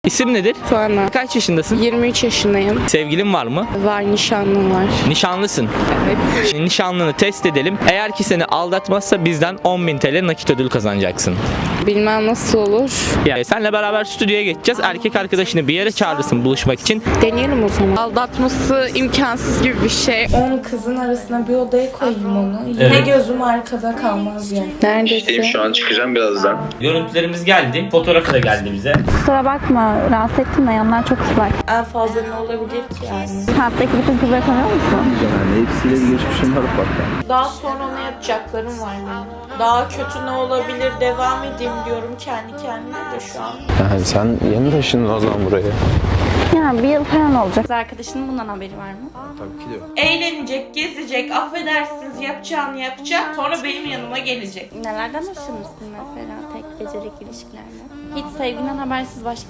İsim nedir? Tuana. Kaç yaşındasın? 23 yaşındayım. Sevgilin var mı? Var, nişanlım var. Nişanlısın. Evet. Şimdi nişanlını test edelim. Eğer ki seni aldatmazsa bizden 10.000 TL nakit ödül kazanacaksın. Bilmem nasıl olur. Yani senle beraber stüdyoya geçeceğiz. Erkek arkadaşını bir yere çağırırsın buluşmak için. Deneyelim o zaman. Aldatması imkansız gibi bir şey. 10 kızın arasına bir odaya koyayım onu. Yine Evet. gözüm arkada kalmaz yani. Neredesin? Şu an çıkacağım birazdan. Görüntülerimiz geldi. Fotoğrafı da geldi bize. Kusura bakma, rahatsız ettim de yanlar çok ıslak. En fazla ne olabilir ki yani? Saatteki bütün kızları tanıyor musun? Yani hepsiyle bir geçmişim var ufaktan. Daha sonra ne yapacaklarım var benim. Daha kötü ne olabilir devam edeyim diyorum kendi kendime de şu an. Yani sen yeni taşındın o zaman buraya. Yani bir yıl falan olacak. Kız arkadaşının bundan haberi var mı? Tabii ki de yok. Eğlenecek, gezecek, affedersiniz yapacağını yapacak. Sonra benim yanıma gelecek. Nelerden hoşlanırsın mesela tek gecelik ilişkilerde? Hiç sevginden habersiz başka